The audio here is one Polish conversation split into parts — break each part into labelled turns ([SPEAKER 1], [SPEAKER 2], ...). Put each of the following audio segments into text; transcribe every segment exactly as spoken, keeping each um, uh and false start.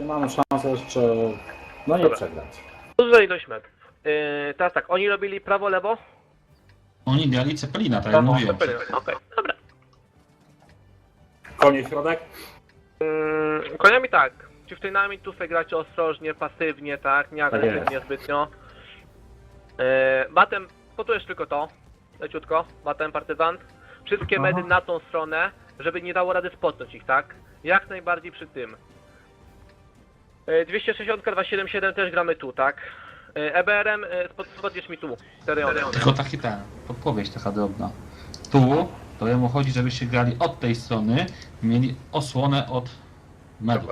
[SPEAKER 1] mamy szansę jeszcze, no nie
[SPEAKER 2] Dobra.
[SPEAKER 1] przegrać.
[SPEAKER 2] Duża ilość metrów. Yy, teraz tak, oni robili prawo, lewo?
[SPEAKER 3] Oni grali Cepelina, tak jak mówiłem.
[SPEAKER 2] Okej, okay, dobra.
[SPEAKER 1] Konie środek?
[SPEAKER 2] Yy, koniami tak. Chieftainami tu sobie gracie ostrożnie, pasywnie, tak? Nie agresywnie zbytnio. Yy, batem, potujesz tylko to. Leciutko. Batem, partyzant. Wszystkie
[SPEAKER 1] Aha.
[SPEAKER 2] medy na tą stronę, żeby nie dało rady spotnąć ich, tak? Jak najbardziej przy tym. Yy, dwieście sześćdziesiąt, dwieście siedemdziesiąt siedem też gramy tu, tak? Yy, E B R-em yy, spotniesz mi tu. Teriony.
[SPEAKER 3] Tylko taki ten, podpowiedź taka drobna. Tu, to jemu chodzi, żebyście grali od tej strony, mieli osłonę od medów.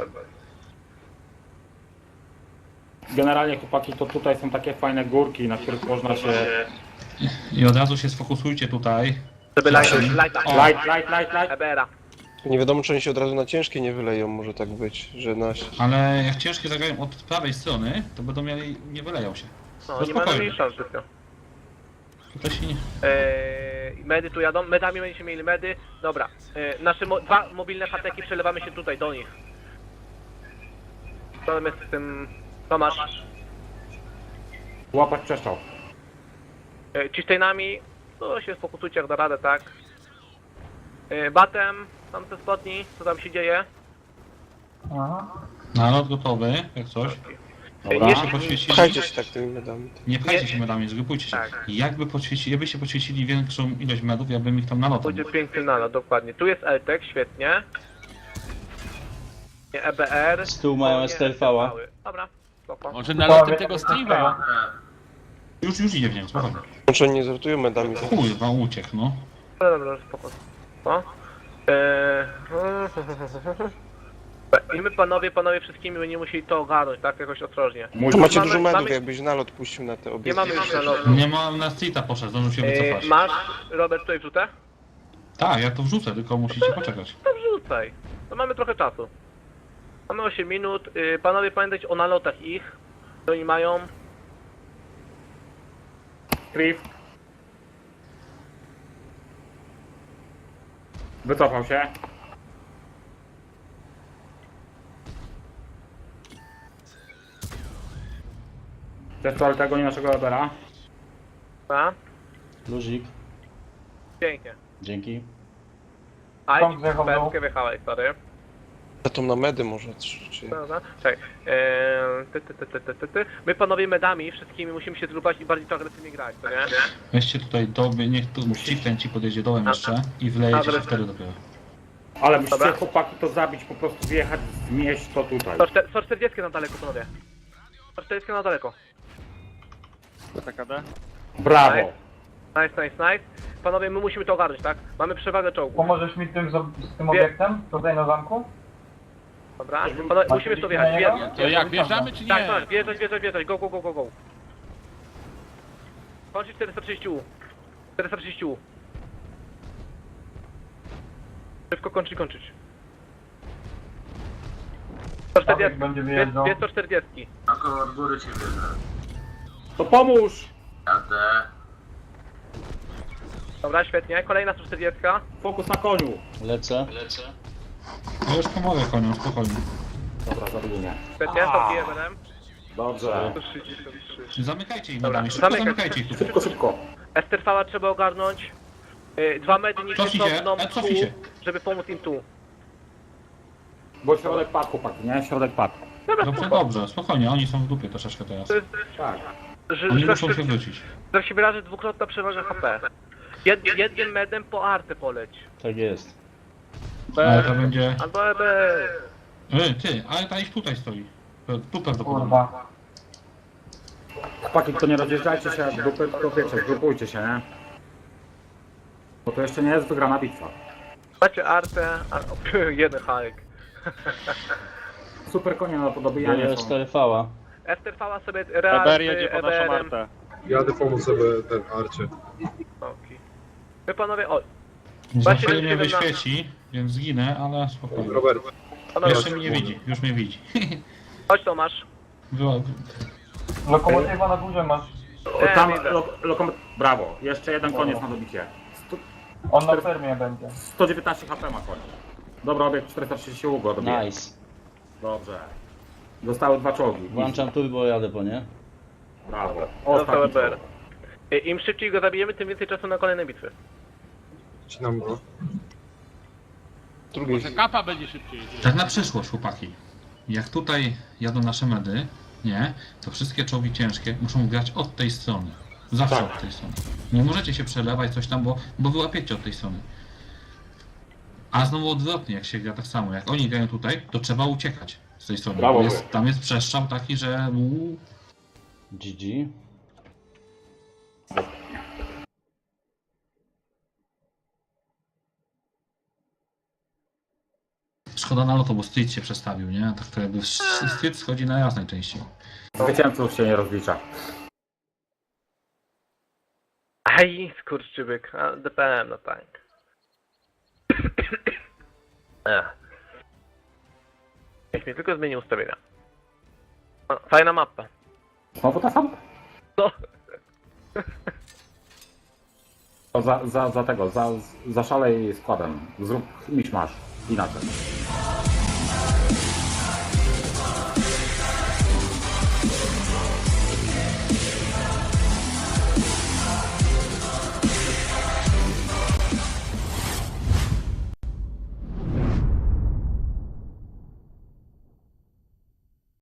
[SPEAKER 1] Generalnie chłopaki, to tutaj są takie fajne górki, na których można się...
[SPEAKER 3] I od razu się sfokusujcie tutaj.
[SPEAKER 2] Żeby light, lighta.
[SPEAKER 3] O.
[SPEAKER 1] Light, light, light, light.
[SPEAKER 2] E B R-a.
[SPEAKER 4] Nie wiadomo, czy oni się od razu na ciężkie nie wyleją, może tak być, że na...
[SPEAKER 3] Ale jak ciężkie zagrają od prawej strony, to będą mieli, nie wyleją się.
[SPEAKER 2] No,
[SPEAKER 3] To
[SPEAKER 2] nie mamy
[SPEAKER 3] spokojnie.
[SPEAKER 2] mieli szans zbytnio.
[SPEAKER 3] Tutaj się nie...
[SPEAKER 2] Eee, medy tu jadą, medami będziecie mieli medy. Dobra, eee, nasze mo dwa mobilne hateki przelewamy się tutaj do nich. Co my z tym... Co masz?
[SPEAKER 1] Łapać przeszczał.
[SPEAKER 2] Eee, Chieftainami, to się sfokusujcie jak da radę, tak? Eee, batem, tam te spotni, co tam się dzieje?
[SPEAKER 3] Nalot gotowy, jak coś.
[SPEAKER 1] Dobra.
[SPEAKER 3] Nie się poświecili.
[SPEAKER 4] Pchajcie się tak tymi medami.
[SPEAKER 3] Nie pchajcie
[SPEAKER 2] Nie-
[SPEAKER 3] się medami, zgrupujcie się.
[SPEAKER 2] Tak.
[SPEAKER 3] Jakby poświecili, jakbyście poświecili większą ilość medów, ja bym ich tam nalotem.
[SPEAKER 2] Będzie piękny nalot, dokładnie. Tu jest Eltek, świetnie. Nie E B R.
[SPEAKER 5] Z tyłu mają
[SPEAKER 2] o nie,
[SPEAKER 5] S T L V-a.
[SPEAKER 2] Dobra, spoko.
[SPEAKER 6] Może naloty tego Steve'a?
[SPEAKER 3] Już, już idzie w niego, spokojnie.
[SPEAKER 4] Czy oni nie zrotują medami? To...
[SPEAKER 3] Kurwa, uciekł, no.
[SPEAKER 2] Dobra, dobra, spoko. No. Eee... I my panowie, panowie wszystkimi będziemy musieli to ogarnąć, tak? Jakoś ostrożnie.
[SPEAKER 1] Mój
[SPEAKER 4] Tu macie
[SPEAKER 2] Mamy-
[SPEAKER 4] dużo medów,
[SPEAKER 2] mamy-
[SPEAKER 4] jakbyś nalot puścił na te
[SPEAKER 2] Nie
[SPEAKER 4] obiekty.
[SPEAKER 2] mamy już nalotu.
[SPEAKER 3] Nie ma, na streeta poszedł, zdążył się
[SPEAKER 2] Eee,
[SPEAKER 3] wycofać.
[SPEAKER 2] masz, Robert, tutaj wrzutę?
[SPEAKER 3] Tak, ja to wrzucę, tylko musicie poczekać.
[SPEAKER 2] To wrzucaj. To mamy trochę czasu. Mamy osiem minut. Yy, panowie, pamiętajcie o nalotach ich. Co oni mają.
[SPEAKER 1] Cliff. Wycofał się. Też to, ale tego nie naszego Ebera.
[SPEAKER 2] A?
[SPEAKER 5] Luzik,
[SPEAKER 2] Pięknie.
[SPEAKER 5] dzięki.
[SPEAKER 2] Aj, pętkę wjechałeś, sorry.
[SPEAKER 4] A to na medy może, czy... czy...
[SPEAKER 2] Dobra, czekaj. Eee, ty, ty, ty, ty, ty, ty, ty. My panowie medami wszystkimi musimy się zgrupać i bardziej to agresywnie grać, to nie?
[SPEAKER 3] Weźcie tutaj doby, niech tu chieftain ci podjedzie dołem jeszcze i wlejecie się wtedy dopiero.
[SPEAKER 1] Ale musicie
[SPEAKER 2] Dobra.
[SPEAKER 1] chłopaki to zabić, po prostu wjechać, zmieść to tutaj.
[SPEAKER 2] sto czterdzieści na daleko, panowie. sto czterdzieści na daleko.
[SPEAKER 1] Brawo.
[SPEAKER 2] Nice, nice, nice. Panowie, my musimy to ogarnąć, tak? Mamy przewagę czołgu.
[SPEAKER 7] Pomożesz mi tym, z, z tym
[SPEAKER 2] Wie-
[SPEAKER 7] obiektem tutaj na zamku?
[SPEAKER 2] Dobra? Panowie, musimy to wjechać. Wje-
[SPEAKER 6] To jak, wjeżdżamy czy
[SPEAKER 2] Tak,
[SPEAKER 6] nie?
[SPEAKER 2] tak, wjeżdżać, wjeżdżać, wjeżdżać. Go, go, go, go, go. Kończyć czterysta trzydzieści U. czterysta trzydzieści U. Szybko kończyć, kończyć. sto czterdzieści.
[SPEAKER 7] będzie
[SPEAKER 2] Dwie
[SPEAKER 7] wyjeżdżał.
[SPEAKER 2] dwie sto czterdzieści.
[SPEAKER 8] Ako od góry cię bierze.
[SPEAKER 1] To pomóż!
[SPEAKER 8] Jadę.
[SPEAKER 2] Dobra, świetnie. Kolejna sto czterdzieści.
[SPEAKER 1] Fokus na koniu.
[SPEAKER 5] Lecę.
[SPEAKER 3] Ja już pomogę koniom, spokojnie.
[SPEAKER 1] Dobra, zabili mnie.
[SPEAKER 2] Świetnie, to Eberem.
[SPEAKER 1] Dobrze.
[SPEAKER 3] Zamykajcie ich
[SPEAKER 2] Dobra,
[SPEAKER 3] medami, szybko
[SPEAKER 2] zamykaj.
[SPEAKER 3] zamykajcie ich tu.
[SPEAKER 1] Szybko, szybko.
[SPEAKER 2] Esterfała trzeba ogarnąć. Yy, Dwa medy niech się
[SPEAKER 3] Cofnij się,
[SPEAKER 2] cofną
[SPEAKER 3] e,
[SPEAKER 2] tu,
[SPEAKER 3] cofnij się.
[SPEAKER 2] żeby pomóc im tu.
[SPEAKER 1] Bo środek padł, chłopaki, nie? Środek padł.
[SPEAKER 2] Dobra,
[SPEAKER 3] Dobrze,
[SPEAKER 2] spoko.
[SPEAKER 3] dobrze, spokojnie, oni są w dupie troszeczkę teraz.
[SPEAKER 2] To jest,
[SPEAKER 1] Tak.
[SPEAKER 2] że,
[SPEAKER 3] Oni
[SPEAKER 2] że,
[SPEAKER 3] muszą się
[SPEAKER 2] że,
[SPEAKER 3] wrócić.
[SPEAKER 2] że się wyrażę dwukrotna przewaga H P. Jed, jednym medem po artę poleć.
[SPEAKER 5] Tak jest.
[SPEAKER 3] Ale to będzie...
[SPEAKER 2] Albo E B.
[SPEAKER 3] Ej, ty, ale ta ich tutaj stoi. Tu prawdopodobnie.
[SPEAKER 7] Kurwa.
[SPEAKER 1] Chłopaki, to nie rozjeżdżajcie się jak grupy, tylko wiecie, zgrupujcie się, nie? Bo to jeszcze nie jest wygrana bitwa.
[SPEAKER 2] Macie artę, a, o, jeden hajek.
[SPEAKER 1] Super konie na
[SPEAKER 5] Ja
[SPEAKER 1] podobijanie
[SPEAKER 5] jest
[SPEAKER 1] są.
[SPEAKER 5] cztery V-a.
[SPEAKER 2] Esterfała sobie real z E B R-em.
[SPEAKER 9] Jadę pomóc sobie ten Arcie.
[SPEAKER 2] Okej. Wy panowie, o,
[SPEAKER 3] Za chwilę mnie
[SPEAKER 2] siedem na-
[SPEAKER 3] wyświeci, więc zginę, ale spokojnie.
[SPEAKER 9] Robert,
[SPEAKER 2] panowie,
[SPEAKER 3] Jeszcze mnie nie widzi, już mnie widzi.
[SPEAKER 2] chodź Tomasz.
[SPEAKER 3] Była...
[SPEAKER 7] Lokomotywa na górze masz.
[SPEAKER 1] O, tam,
[SPEAKER 2] widzę.
[SPEAKER 1] lo, lokom... Brawo, jeszcze jeden koniec na dobicie. Sto,
[SPEAKER 7] On na fermie będzie.
[SPEAKER 1] sto dziewiętnaście H P ma koń. Dobra, obiekt czterysta trzydzieści ugo dobije.
[SPEAKER 5] Nice.
[SPEAKER 1] Dobrze. Zostały dwa czołgi.
[SPEAKER 5] Włączam turbo, jadę po nie.
[SPEAKER 1] Brawo.
[SPEAKER 2] Został
[SPEAKER 1] Ostatni
[SPEAKER 2] E B R.
[SPEAKER 1] czołg.
[SPEAKER 2] I- Im szybciej go zabijemy, tym więcej czasu na kolejne bitwy.
[SPEAKER 9] Wcinam go.
[SPEAKER 4] Drugiej.
[SPEAKER 6] Może kapa będzie szybciej.
[SPEAKER 3] Tak na przyszłość, chłopaki. Jak tutaj jadą nasze medy, nie, to wszystkie czołgi ciężkie muszą grać od tej strony. Zawsze
[SPEAKER 1] Tak.
[SPEAKER 3] od tej strony. Nie możecie się przelewać coś tam, bo, bo wyłapiecie od tej strony. A znowu odwrotnie, jak się gra tak samo. Jak oni grają tutaj, to trzeba uciekać z tej strony.
[SPEAKER 1] Brawo,
[SPEAKER 3] Jest, tam jest przestrzał taki, że... uuu,
[SPEAKER 5] G G.
[SPEAKER 3] szkoda na loto, bo Street się przestawił, nie? Tak to jakby Street schodzi na raz najczęściej.
[SPEAKER 1] Zwycięzców się nie rozlicza.
[SPEAKER 2] Aj, skurczybyk, a D P M, no tak. Ech. Niech mi tylko zmieni ustawienia. O, fajna mapa.
[SPEAKER 1] Znowu ta sama?
[SPEAKER 2] No.
[SPEAKER 1] To za, za, za tego, za, za szalej składem. Zrób miszmasz. Inaczej.